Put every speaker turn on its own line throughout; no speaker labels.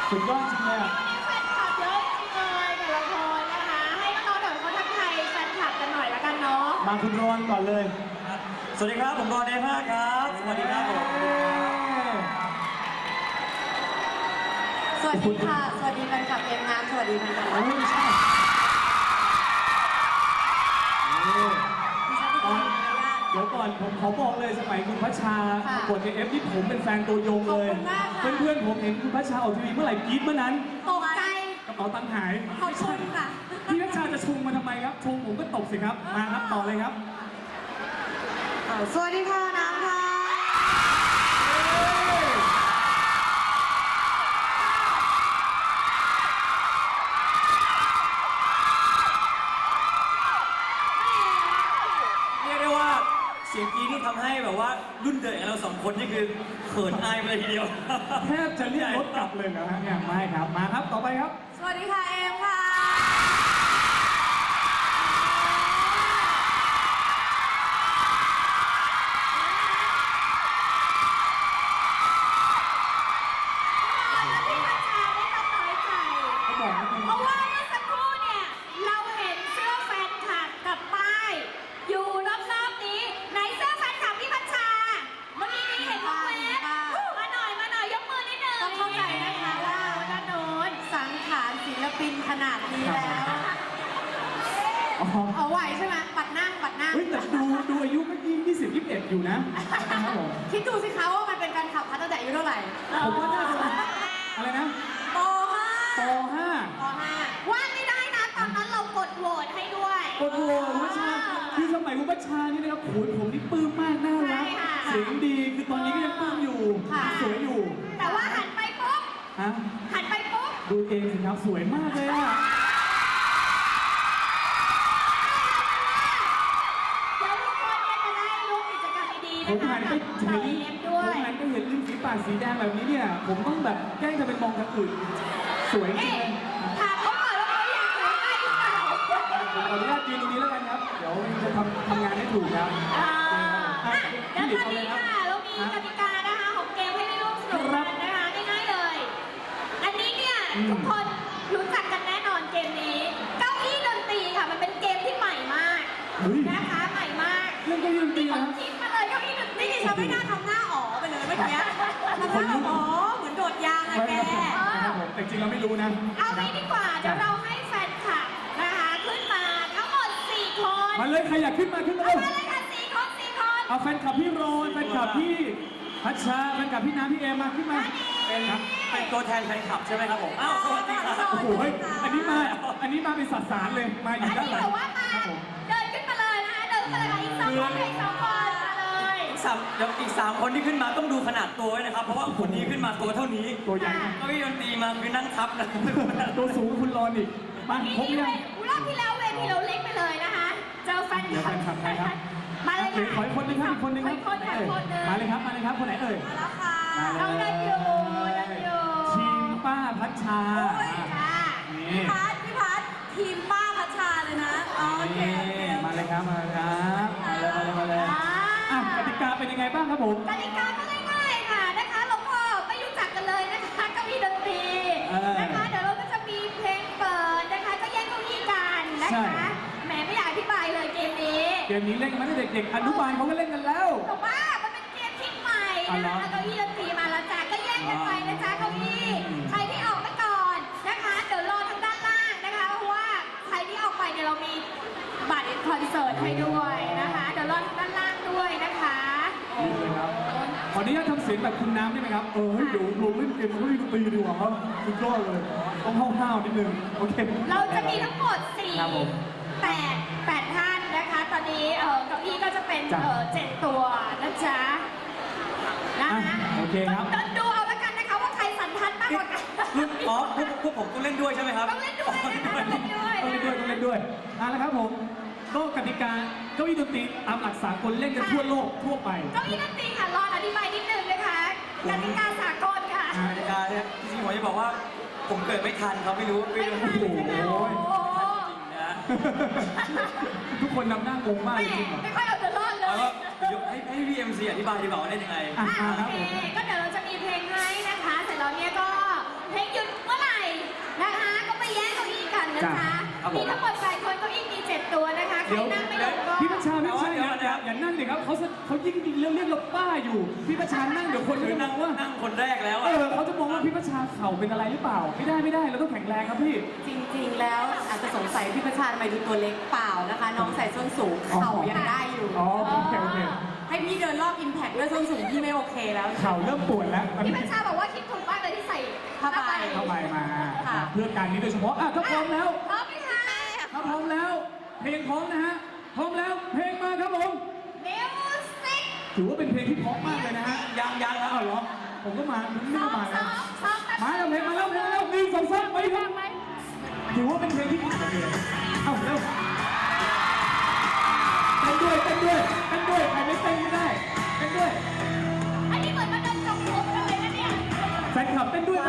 สุดยอดจริงเลยอ่ะ
วันนี้แฟนคลับเยอะจริงเลยแต่ละคนนะคะ ให้น้องๆเดี๋ยวเขาทักทายแฟนคลับกันหน่อยละกันเนาะ
มาคุณรอนก่อนเลย
สวัสดีครับผมรอนเดม่าครับ สวัสดีครับผม
สวัสดีค่ะ สวัสดีแฟนคลับเอ็มงามสวัสดีแฟนคลับ
เอ้ยไม่ใช่เดี๋ยวก่อนผมขอบอกเลยสมัยคุณพัชชาประกวดในเอฟที่ผมเป็นแฟนตัวยงเลย เพื่อนๆผมเห็นคุณพัชชาออกทีวีเมื่อไหร่กรี๊ดเมื่อนั้น
ตกใจ
กระเป๋าตังค์หาย
ขอบคุณค่ะ
พี่พัชชาจะชงมาทำไมครับชงผมก็ตกสิครับมาครับต่อเลยครับ
สวัสดีค่ะน้ำค่ะ
เรียกได้ว่าเสียงกรี๊ดที่ทำให้แบบว่ารุ่นเด็กเราสองคนนี่คือเขินอายไปเลยทีเดียว
แทบจะเรียกรถกลับเลยเหรอฮะเนี่ยไม่ครับมาครับต่อไปครับ
สวัสดีค่ะเอ็มค่ะ
เขาบอกว่าเป็น
เพราะว่าเมื่อสักครู่เนี่ยเราเห็นเสื้อแฟนคลับกับป้ายอยู่รอบๆนี้ไหนเสื้อแฟนคลับพี่พัชชาเมื่อกี้นี้เห็นวงเล็บมาหน่อยยกมือนิดนึง
ต้องเข้าใจนะคะว่า
ด้านโน้น
สังขารศิลปินขนาดนี้แล้ว
อ๋อ
เอาไหวใช่ไหมปัดนั่งปัดนั่ง
เฮ้ยแต่ดูอายุเมื่อกี้20 21อยู่นะนะครับผม
คิดดูสิคะว่ามันเป็นการขับพัดตั้งแต่อายุเท่าไหร่
ผมว่าน่าจะอะไรนะ
ป
ป
.5
.5
ป .5
ว่างไม่ได้นะตอนนั้นเรากดโหวตให้ด้วย
โอ้โหคุณพัชชาคือสมัยคุณพัชชานี่นะครับโขนผมนี่ปลื้มมากน่ารัก
ใช่ค่ะ
เสียงดีคือตอนนี้ก็ยังปลื้มอยู่สวยอยู่
แต่ว่าหันไปปุ๊บ
ฮะ
หันไปปุ๊บ
ดูเองสิครับสวยมากเลยอ่ะ
เดี๋ยวทุกคนเนี่ยจะได้รู้กิจกรรมดีๆ
ผ
นะ
ม
คะ
หันไป
กับ
เห็
ชาวน เอ็มด้ว
ผม
ย
หันไปเห็นริมฝีปากสีแดงแบบนี้เนี่ยผมต้องแบบแกล้งจะเป็นมองทางอื่นสวยจริ
เอ๊ะ
ง
ถามเขาก่อนว่าเขาอยากรู้ได้หรือเปล่า
ผมขออนุญาตยืนตรงนี้แล้วกันครับเดี๋ยวจะทำงานให้ถูกครับ
แล้วตอนนี้ค่ะเรามีกติกานะคะของเกมให้ได้ร่วมสนุกกันนะคะง่ายๆเลย อันนี้เนี่ยทุกคนรู้จักกันแน่นอนเกมนี้ เก้าอี้ดนตรีค่ะมันเป็นเกมที่ใหม่มาก
เฮ้ย
นะคะใหม่มาก
เล่นเก้าอี้ดนตรี
ที่ผ
นะ
มคิดมาเลยเก้าอี้ดนตรี
นี่ดิฉันไม่น่าทำหน้าอ๋อไปเลยเมื่อกี้ทำหน้าอ๋อเหมือนโดดยางอะแก
นะครับผมแต่จริงเราไม่รู้นะ
เอางี้ดีกว่าเดี๋ยวเราให้แฟนคลับนะคะขึ้นมาทั้งหมด4 คน
มาเลยใครอยากขึ้นมาขึ้นมา
เอา
เลย
มาเลยค่ะ4 คน
เอาแฟนคลับพี่โรนแฟนคลับพี่พัชชาแฟนคลับพี่น้ำพี่เอมาขึ้นมา
เป็น
ครับ
เป็นตัวแทนแฟนคลับใช่ไหมครับผมอ้าวสวัสดีครับ
โอ้โหเฮ้ยอันนี้มาเป็นสัตว์สารเลยมาอยู่
อัน
ด้าน
นี้
หลัง
แบบว่ามา
ครับผม
เดินขึ้นมาเลยนะคะเดินขึ้นมาเลยค่ะอีก2 คนอีก2 คนมาเลย
เดี๋ยวอีก3คนที่ขึ้นมาต้องดูขนาดตัวไว้นะครับ เพราะว่าคนนี้ขึ้นมาตัวเท่านี้
ตัวใหญ่มาก
เก็มีดนตรีมาคือนั่งทับนะ
ตัวสูงคุณรอนอีกมา
นี่
ครบยัง
รอบที่แล้วเวทีเราเล็กไปเลยนะคะเจอแฟน
เดี๋ยวแฟนคลับใครครับ
มาเลย
เหลือ
ค่ะ
ขออีกคนนึงครับอีกคนนึง
ข
ค
อ
รับ
อีกคนค่ะอีกคนนึง
มาเลยครับคนไหนเอ่ย
มาแล้วค่ะ
เอาเดินอยู่เดินอยู่
ทีมป้าพัชชา
ค่ะ
นี่
พี่พัดทีมป้าพัชชาเลยนะโอเค
นี่มาเลยครับมาเลยอ่ะกติกาเป็นยังไงบ้างครับผม
กติกาก็ง่ายๆค่ะนะคะเราก็ไม่รู้จักกันเลยนะคะเก้าอี้ดนตรีนะคะเดี๋ยวเราก็จะมีเพลงเปิดนะคะก็แย่งเก้าอี้กันนะคะแหมไม่อยากอธิบายเลยเกมนี้
เกมนี้เล่นกันมาตั้งแต่เด็กๆอนุบาลเขาก็เล่นกันแล้ว
แต่ว่ามันเป็นเกมที่ใหม่
อ๋อเหร
นะ
อ
คะเก้าอี้ดนตรีมาแล้วจ้าก็แย่งกันไปนะจ๊ะเก้าอี้ใครที่ออกไปก่อนนะคะเดี๋ยวรอทางด้านล่างนะคะเพราะว่าใครที่ออกไปเนี่ยเรามีบัตรคอนเสิร์ตให้ด้วยนะคะเดี๋ยวรอทางด้านล่างด้วยนะคะ
นี่เลยครับขออนุญาตทำเสียงแบบคุณน้ำได้ไหมครับเฮ้ยเดี๋ยวลงเล่นเกมเขาเล่นดนตรีดีกว่าครับสุดยอดเลยต้องห้าวๆนิดนึงโอเค
เราจะมีทั้งหมด
ครับผม
8ท่านนะคะ ตอนนี้เก้าอี้ก็จะเป็น
จ้ะ
7 ตัวนะจ๊ะนะคะ
อ่ะโอเคครับ
ต้องดูเอาละกันนะคะว่าใครสันทัดมากกว่ากัน
อ๋อพวกผมต้องเล่นด้วยใช่ไหมครับ
ต้องเล่นด้วยนะคะต้องเล่นด้วย
ต้องเล่นด้วยต้องเล่นด้วยแล้วครับผมก็กติกาเก้าอี้ดนตรีตามหลักสากลเล่นกันทั่วโลกทั่วไป
เก้าอี้ดนตรีค่ะรออธิบายนิดนึงนะคะกติกาสากลค่ะ
กติกาเนี่ยจริงๆผมจะบอกว่าผมเกิดไม่ทันครับไม่รู้
ไม่ทัน
จริง
ใช่ไหม
โอ้
โอ้
ย
โห
นะ
ทุกคนนำหน้างงมาก
ไม่
จริงๆเหรอ
ไม่ค่อยเอาตัวรอดเล
เอา
ย
ว่าเดี๋ยวให้พี่เอ็มซีอธิบายดีกว่าว่าเล่นยังไง
อ่ะ
โอ
ครับ
เค
ผม
ก็เดี๋ยวเราจะมีเพลงให้นะคะ เสร็จแล้วเนี่ยก็เพลงหยุด
ครับผม
มีทั้งหมด8คนเก้าอี้มี7ตัวนะคะใคร
เดี๋ยว
นั่งไม่ลงก็
พี่ประชาไม่ใช่
เดี๋ยว
นะ
เดี๋ยว
อย่านั่งดิครับเขายิ่งเรียกเราป้าอยู่พี่ประชานั่งเดี๋ยวคนก็จะม
นั่
อง งว่า
นั่งคนแรกแล้ว
เอ
อะ
อเขาจะมองว่าพี่ประชาเข่าเป็นอะไรหรือเปล่า ไม่ได้เราต้องแข็งแรงครับพี่
จริงๆ แล้วอาจจะสงสัยพี่ประชาทำไมดูตัวเล็กเปล่านะคะ น้องใส่ส้นสูงเข่ายังได้อยู่
อ๋อโอเค
ให้พี่เดินรอบอิมแพคด้วยส้นสูงพี่ไม่โอเคแล้ว
เข่าเริ่มปวดแล้ว
พี่พัชชาบอกว่าคิดถูกมากเลยที่ใส่
ผ้าใบ
เข้าไปมา
ค่ะ
เพื่อการนี้โดยเฉพาะอ่ะถ้าพร้อมแล้ว
พร้อมไหมคะ
ถ้าพร้อมแล้ว เพลงพร้อมนะฮะพร้อมแล้วเพลงมาครับผม
มิวสิก
ถือว่าเป็นเพลงที่เพราะมากเลยนะฮะ
ยังแล้ว
อ้าวเหรอผมก็มาผม
ส
นี่
อ
ก็
ง
มา
ส
แล้ว
องสอง
มาแล้วเพลงมาแล้ว1 2 3ไปครับถือว่าเป็นเพลงที่เอ้าเร็วเต้นด้วยใครไม่เต้นไม่ได้เต้นด้วย
อันนี้เหมือนมาเดินจงกรมกันเลยนะเนี่ย
แฟนคลับเต้นด้วย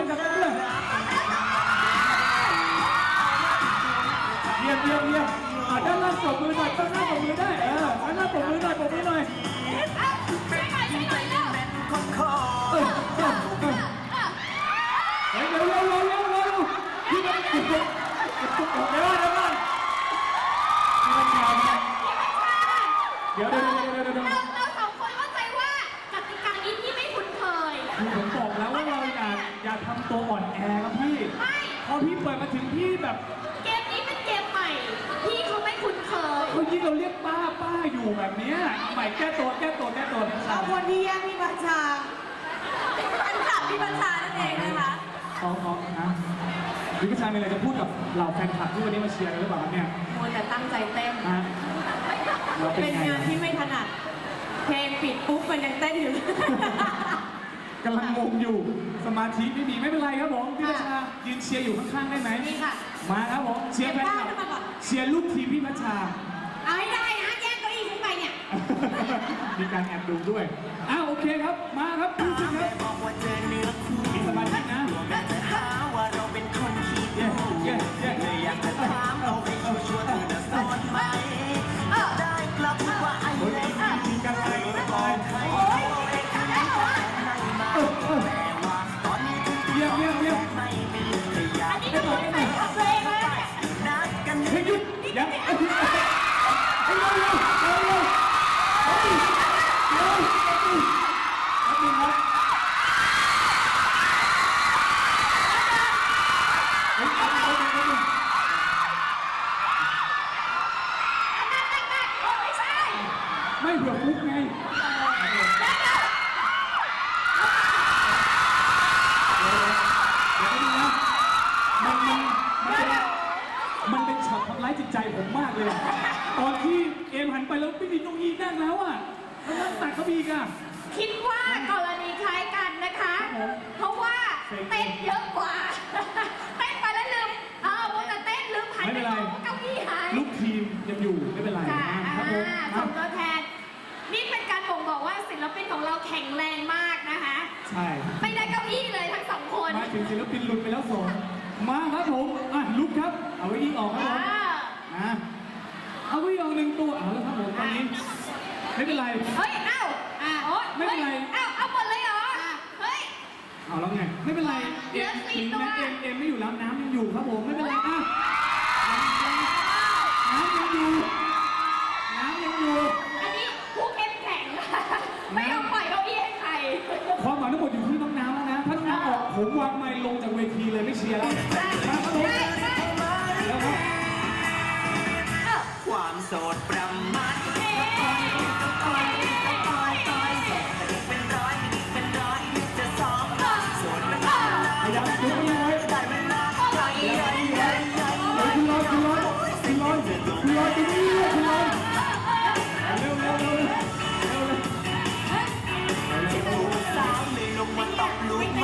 เยี่ยมด้านล่างปรบมือหน่อยด้านล่างปรบมือได้ด้านล่างปรบมือหน่อย
ช่วยหน่อยเร็ว
เฮ้ยเร็วพี่มันเดี๋ยว
เราสองคนเข้าใจว่ากติกานี้ที่ไม่คุ้นเคย
ผมบอกแล้วว่าเราอย่าทำตัวอ่อนแอครับพี่
ไม่
พอพี่เปิดมาถึงพี่แบบ
เกมนี้เป็นเกมใหม่ พี่เขาไม่คุ้นเคย
เขายิ่งเราเรียกป้าอยู่แบบเนี้ยใหม่แก้ตัว
เอาคนที่แย่งพี่ประชาแฟนคลับพี่ประชานั่นเองนะคะ
เขานะวิชามีอะไรจะพูดกับเหล่าแฟนคลับที่วันนี้มาเชียร์กันหรือเปล่าครับเนี่ย
มัวแต่ตั้งใจเต้น
ฮะเราเป็น
เป็น
ไง
งานที่ไม่ถนัด เพลงปิดปุ๊บมันยังเต้นอยู่
กำลังงงอยู่ สมาธิไม่มีไม่เป็นไรครับผมพี่ประชายืนเชียร์อยู่ข้างๆได้ไหม
นี่ค่ะ
มาครับผมเชียร์แฟนคลับ
เก็บผ้าขึ้นมาก่อน
เชียร์ลูกทีมพี่พัชชา
เอาให้ได้นะแย่งเก้าอี้ขึ้นไปเนี่ย
มีการแอบดูด้วยโอเคครับมาครับคุณผู้ชมครับมีสมาธินะเย้มีการอะไรไปเยี่ยม
อันนี้ก็เหมือนใส่เพลงเลย
เฮ้ยหยุดยังเร็ว
ไม่ใช่
ไม่เผื่อฟุกไงมันเป็นช็อตทำร้ายจิตใจผมมากเลยอะตอนที่เอมหันไปแล้วไม่มีเก้าอี้นั่งแล้วอ่ะแล้วนั่งตักเขาอีกอ่ะ
คิดว่ากรณีคล้ายกันนะคะ เพราะว่าเต้นเยอะกว่า เต้นไปแล้วลืมว่าจะเต้นลืมหันไปมองว่าเก้าอี้หาย
ลูกทีมยังอยู่ไม่เป็นไร
ค่ะ
ครับผม
ส่งตัวแทน นี่เป็นการบ่งบอกว่าศิลปินของเราแข็งแรงมากนะคะ
ใช่
ไม่ได้เก้าอี้เลยทั้งสองคน
มาถึงศิลปินหลุดไปแล้ว2มาครับผมลุกครับเอาไว้อีออกครับผมนะเอาไว้อีออก1ตัวเอาแล้วครับผมตอนนี้ไม่เป็นไร
เฮ้ย เอ้าโอ๊ย
ไม่เป็นไร
เอาหมดเลยเหรอ เฮ้ย
เอาแล้วไงไม่เป็นไร
เหลือ4
ถึง
ตัว
แม้เอ็มไม่อยู่แล้วน้ำยังอยู่ครับผมไม่เป็นไรน้ำยังอยู่
อันนี้ผู้เข้มแข็ง ไม่ยอมปล่อยเก้าอี้ให้ใคร
ความหวังทั้งหมดอยู่ที่น้องน้ำแล้วนะถ้าน้องน้ำออกผมวางไมค์ลงจากเวทีเลยไม่เชียร์แล้วมาครับผมแล้วครับ
ความโสดประมาทเป็นร้อยจะสองโสดเป็นร้อย
พยายามดึงมันไว้
ได้เวลาใหญ่
คุณลอยตรงนี้เลยคุณลอยเร็ว
สาวเลยลงมาตอกลุกมา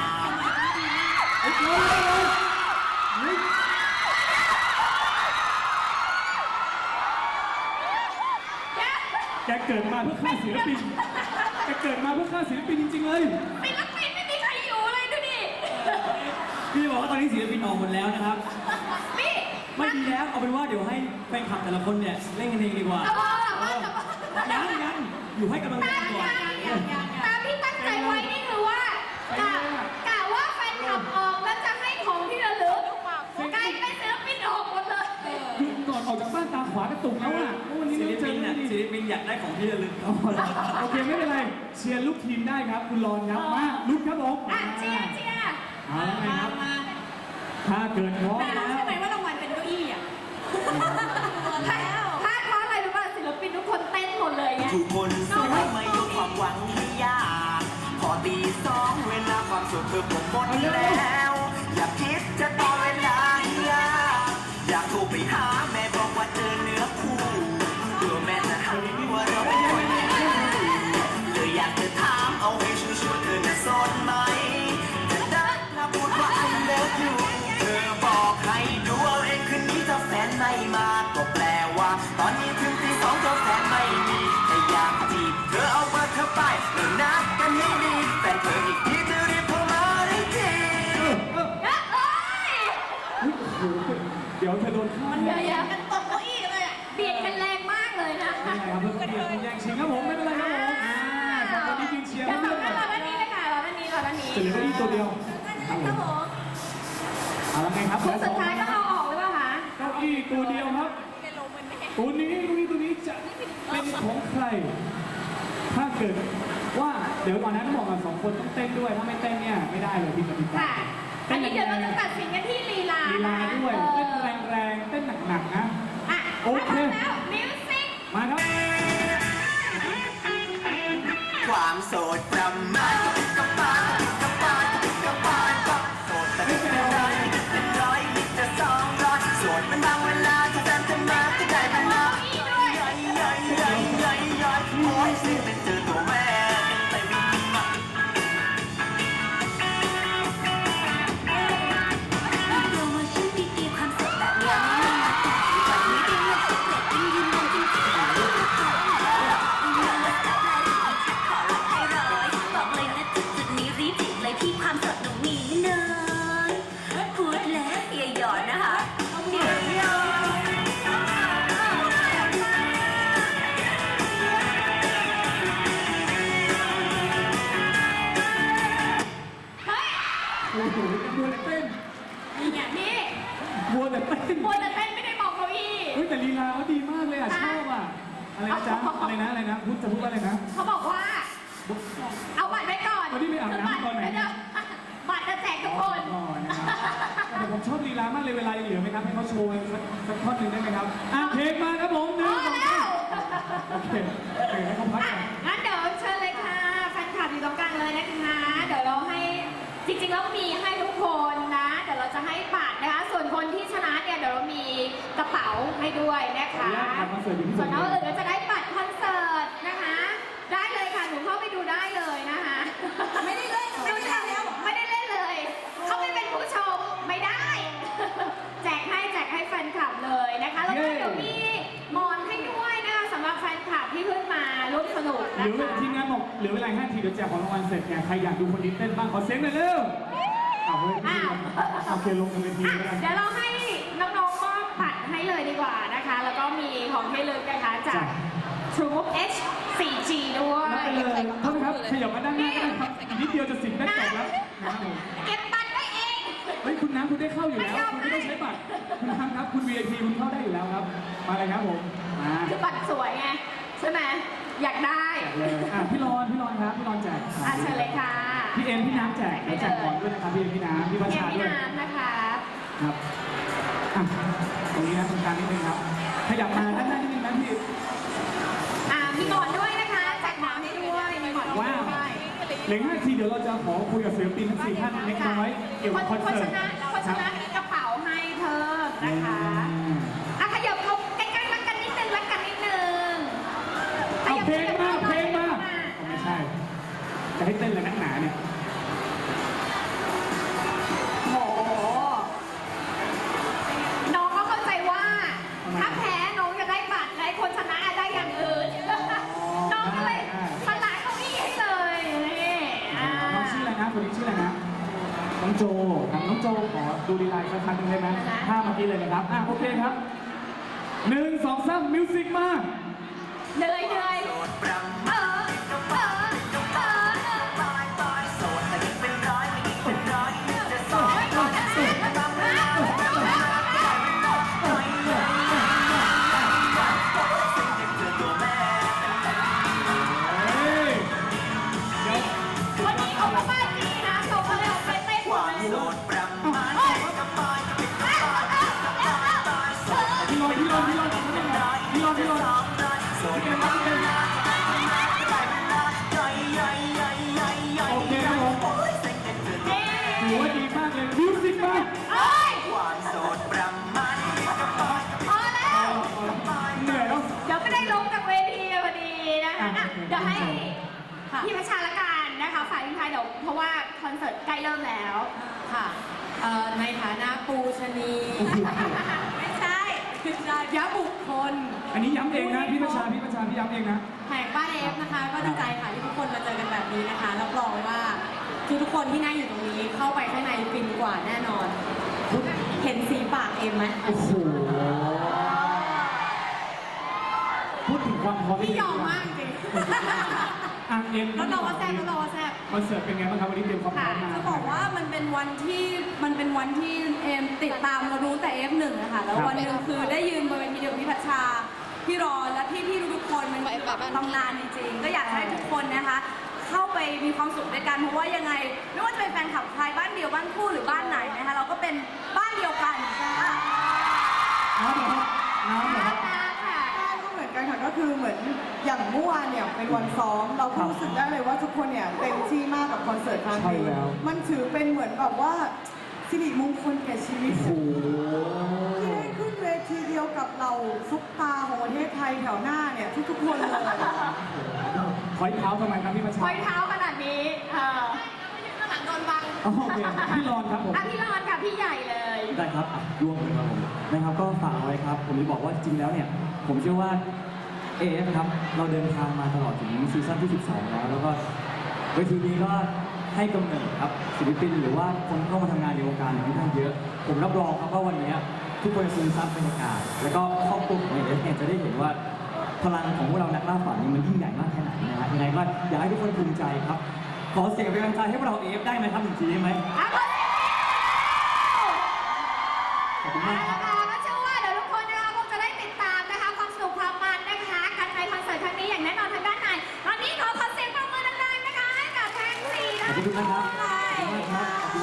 แกเกิดมาเพื่อฆ่าศิลปินจริงๆเลย
ศิลปินไม่มีใครอยู่เลยดูดิ
พี่บอกว่าตอนนี้ศิลปินออกหมดแล้วนะครับ
พี่
ไม่ดีแล้วเอาเป็นว่าเดี๋ยวให้แฟนคลับแต่ละคนเนี่ยเล่นกันเองดีกว่า
เอาว่า
ยังอยู่ให้กำลังใจก่อน
ตามที่ตั้งใจไว้นี่คือว่ากะว่าแฟนคลับออกแล้วจะให้ของที่ระลึกกลายเป็นศิลปินออกหมดเลย
ขวากระตุกแล้วอ่ะโอ้วันนี้
ศิ
ไม่
ล
เจ
ปิ
อน
น่ะ
ดี
ศิลปินอยากได้ของที่ระลึก
โอเคไม่เป็นไรเชียร์ลูกทีมได้ครับ คุณรอนครับมาลุกครับผม
อ่ะเชียร์เชียร์
เอาแล้วไงครับถ้าเกิดพร้อม
แต่
แล้
รู้
ว
ใช่ไหมว่ารางวัลเป็นเก้าอี้อ่ะ
ถ้าเพราะอะไรรู้ป่ะศิลปินทุกคนเต้นหมดเลยไง
ทุกคนสู้ไม่ยกความหวังให้ยากพอตีสองเวลาความสุขเธอผมหมดแล้ว อย่าคิดจะต่อเวลาอยากโทรไปหาแม่บอกว่าเจอเนื้อคู่เดี๋ยวแม่จะหาว่าเราไม่ควรเลยอยากจะถามเอาให้ชัวร์ๆเธอจะสนไหมจะได้ถ้าพูดว่า I love you เธอบอกให้ดูเอาเองคืนนี้ถ้าแฟนไม่มาก็แปลว่า ตอนนี้ถึงตีสองเธอแฟนไม่มีแต่อยากจีบเธอเอาเบอร์เธอไปเริ่มนัดกันให้ดีแฟนเธออีกทีเธอรีบโทรมาได้ที
โอ้โหเดี๋ยวเธอโดนฆ่า
เดี๋
เนี่ย
ยวๆกันตกเก้าอี้เลยอะเบียดกันแรงมากเลยนะ
ไม่เป็นไรครับเพื่อนเพื่อนแย่งชิงครับผมไม่เป็นไรครับผมสองคนนี้ยืนเชียร์
เดี๋ยว
เพื่
สอ
อง น
ท่านรอด้านนี้เลยค่ะรอด้านนี้รอด้านนี้
จะเหลือเก้าอี้ตัวเดียวครับผมเอาละไงครับ
คนสุดท้ายต้องเอาออกหรือเปล่าคะ
เก้าอี้ตัวเดียวครับตัวนี้เก้าอี้ตัวนี้จะเป็นของใคร ถ้าเกิดว่าเดี๋ยวก่อนนะต้องบอกกันสองคนต้องเต้นด้วยถ้าไม่เต้นเนี่ยไม่ได้เลยพี่กติกา
ค่ะ อันนี้เดี๋ยวเราจะตัดสินกันที่ลีลา
ลีลาด้วยเต้นแรงๆเต้นหนักๆนะ
อ่ะ
โอเค
ถ้าพร้อมแล้วมิวสิก
มาครับ
ความโสดประมาณกับปานกับปานกับปานกับโสดแต่ไม่เป็นไรเป็นร้อยนิดจะ200โสดเป็นบางเวลาที่แฟนจะมาก็ได้เป็นน้อยย่อยย่อยย่อยย่อยย่อยโอ้ยสิเป็นเจอตัวแม่เต็มมา
โปรโมชั่นดีๆความสดแบบนี้ไม่มีวันนี้ดีเงินสดเด็ดยิ่งยืนยันจริงๆไม่รู้ขอรับให้ร้อยบอกเลยนะจุดๆนี้รีบจิกเลยพี่ความสดหนูมีไม่นานพูดแล้วอย่าหยอดนะคะเดี๋ยวหยอด
เฮ้ย
โอ้โหมัวแต่เต้น
นี่ไงนี่
มัวแต่เต้น
มัวแต่เต้นไม่ได้มองเก้าอี้
เฮ้ยแต่ลีลาเขาดีมากเลยอ่ะชอบอ่ะอะไรนะจ๊ะอะไรนะพูดจะพูดว่าอะไรนะ
เขาบอกว่า เอาบัตรไว้ก่อน
วันนี้ไปอาบน้ำตอนไหน
เดี๋ยวบัตรจะแจกทุกคน
อ๋อนะครับแต่ผมชอบลีลามากเลยเวลายังเหลือไหมครับให้เขาโชว์สักท่อนหนึ่งได้ไหมครับอ่ะเพลงมาครับผมห
พ
นึ่
อง
สอง
แล้ว
โอเคให้เขาพัก
อ่ะ
ก่อน
งั้นเดี๋ยวเชิญเลยค่ะแฟนคลับอยู่ตรงกลางเลยนะคะ เดี๋ยวเราให้จริงๆแล้วมีให้ทุกคนนะ เดี๋ยวเราจะให้บัตรนะคะ ส่วนคนที่ชนะเนี่ยเดี๋ยวเรามีกระเป๋าให้ด้วยนะคะ
คอนเสิร์ตอยู่ที่
ส่
สุ
วน
ด
น้องอื่นก็จะได้บัตรคอนเสิร์ตนะคะ ได้เลยค่ะ หนูเข้าไปดูได้เลยนะคะ
ไม่ได้เล่นไม่ได้เล่นแล้ว
ไม่ได้เล่นเลย เขาไม่เป็นผู้ชมไม่ได้ แจกให้แฟนคลับเลยนะคะ แล้วก็เดี๋ยวมีหมอนให้ด้วยนะคะสำหรับแฟนคลับที่เพิ่งมาร่วมสนุก
เห
นะ
ลือ
คะ
ทีมงานบอกเหลือเวลา5 ทีเดี๋ยวแจกของรางวัลเสร็จไงใครอยากดูคนนี้เต้นบ้างขอเสียงหน่อยเร็วอ้าวเฮ้ยโอเคลงกันเวที
อ่ะ
แล้วกัน
เดี๋ยวเราให้น้องๆมอบบัตรให้เลยดีกว่านะคะ แล้วก็มีของให้ลึกนะคะจาก True H 4G ด้วย
นับไปเลยโทษนะครับขยับมาด้านหน้าก็ได้ครับอีกนิดเดียวจะ10ได้จบแล้วนะครับผม
เก็บบัตรไว้เอง
เฮ้ยคุณน้ำคุณได้เข้าอยู่แล้วคุณไม่ต้องใช้บัตรคุณน้ำครับคุณ VIP คุณเข้าได้อยู่แล้วครับมาเลยครับผมมา
คือบัตรสวยไงใช่ไหมอยากได้
แจกเลยอ่ะพี่รอนครับพี่รอนแจก
อ่ะเชิญเลยค่ะ
พี่เอ็มพี่น้ำแจกแล้วแจกก่อนด้วยนะครับพี่เอ็มพี่น้ำพี่ประ
เกม
ชา
พี่
ด้วย
น้ำนะคะ
ครับอ่ะตรงนี้นะตรงกลางนิดนึงครับขยับมาด้านหน้านิดนึงนะพี่
มีหมอนด้วยนะคะแจกหมอนให้ด้วยมีหมอนให้
ว้าว
ด้วย
เหลือ5 ทีเดี๋ยวเราจะขอคุยกับศิลปินทั้ง4 ท่านเล็กน้อยเกี่ยวกับคอน
คน
เสิ
ช
ร์ต
นะคนชนะมีกระเป๋าให้เพิ่มนะคะอ่ะขยับเขาใกล้ๆรักกันนิดนึงรักกันนิดนึง
เอาเพลงมา
ข
เพล
ยับ
งมาไม่ใช่ จะให้เต้นเลยนักหนาเนี่ย
โอ้โหน้องก็เข้าใจว่า ถ้าแพ้น้องจะได้บัตรและคนชนะได้อย่างอื่น น้องก็เลยสละเก้าอี้ให้เลยนี่อ่า
น้องชื่ออะไรนะคนนี้ชื่ออะไรนะน้องโจครับน้องโจขอดูดีไลน์สักครั้งหนึ่งได้ไหมท่าเมื่อกี้เลยนะครับโอเคครับ1 2 3มิวสิกมา
เหนื่อย
โสดประมาณ
เออ
กับปานกับปานกับปานปานโสดแต่ยิ่งเป็นร้อยไม่ยิ่งเป็นร้อยยิ่งจะ200โสดเป็นบางเวลาที่แฟนจะมาก็ได้เป็นน้อยย่อยย่อยย่อย
ค่ะ
พี่ประชาละกันนะคะฝ่ายทิ้งท้ายเดี๋ยวเพราะว่าคอนเสิร์ตใกล้เริ่มแล้ว
ค่ะในฐานะปูชนี
ไม่ใช่
ยะบุคคล
อันนี้ย้ำเองนะพี่ประชาพี่ย้ำเองนะ
แห่งบ้านเอฟนะคะ ก็ดีใจค่ะที่ทุกคนมาเจอกันแบบนี้นะคะรับรองว่าทุกคนที่นั่งอยู่ตรงนี้เข้าไปข้างในฟินกว่าแน่นอน เห็นสีปากเอ็มไหม
โอ้โห พูดถึงความพร้อม
พี่ยอมมากจริง
อ่ะเอ็ม
แล้วเราว่าแซ่บแล้วเราว่าแซ่บ
คอนเสิร์ตเป็นไงบ้างครับวันนี้เตรียมความพร้อมมา
จะบอกว่ามันเป็นวันที่เอมติดตามเรารู้แต่ F1 นะคะแล้ววันหนึ่งคือได้ยืนบนเวทีเดียวกับพี่พัชชาพี่รอและพี่ทุกคนมันแบบตำนานจริงๆก็อยากให้ทุกคนนะคะ เข้าไปมีความสุขด้วยกันเพราะว่ายังไงไม่ว่าจะเป็นแฟนคลับใครบ้านเดียวบ้านคู่หรือบ้านไหนนะคะเราก็เป็นบ้านเดียวกันค่ะ
น้ำเหรอครับน้ำเหรอครับ
ค่ะ
ก็เหมือนกันค่ะก็คือเหมือนอย่างเมื่อวานเนี่ยเป็นวันซ้อมเราก็รู้สึกได้เลยว่าทุกคนเนี่ยเต็มที่มากกับคอนเสิร์ตครั้ง
ใช่
นี้
แล้ว
มันถือเป็นเหมือนแบบว่าสิริมงคลแก่ชีวิต
โอ้โห
ที่ได้ขึ้นเวทีเดียวกับเราซุปตาของประเทศไทยแถวหน้าเนี่ยทุกๆคนเลย
คอยเท้าทำไมครับพี่ประชา
คอยเท้าขนาดนี้ข้างหลังโดนบัง
อ๋อโอเคพี่รอนครับผม
อ่ะพี่รอนค่ะพี่ใหญ่เลย
ได้ครับร่วมเลยครับผมนะครับก็ฝากเอาไว้ครับ ผมจะบอกว่าจริงๆแล้วเนี่ย ผมเชื่อว่า AF ครับ เราเดินทางมาตลอดถึงซีซั่นที่ 12 แล้วก็เวทีนี้ก็ให้กำเนิดครับศิลปินหรือว่าคนเข้ามาทำงานในวงการค่อนข้างเยอะ ผมรับรองครับว่าวันนี้ทุกคนจะซึมซับบรรยากาศ แล้วก็ครอบครัวของ AF เนี่ยจะได้เห็นว่าพลังของพวกเรานักล่าฝันนี่มันยิ่งใหญ่มากแค่ไหนนะฮะยังไงก็อยากให้ทุกคนภูมิใจครับ ขอเสียงเป็นกำลังใจให้พวกเรา AF ได้ไหมครับหนึ่งทีได้ไหม
อ่ะ
ขอบคุณมากครับ
ก็เชื่อว่าเดี๋ยวทุกคนนะคะคงจะได้ติดตามนะคะความสนุกความมันนะคะกันในคอนเสิร์ตครั้งนี้อย่างแน่นอนทางด้านในตอนนี้ขอเสียงปรบมือดังๆนะคะให้กับทั้ง4
ขอบคุณนะครับ
เลย
ขอบคุณมากครับ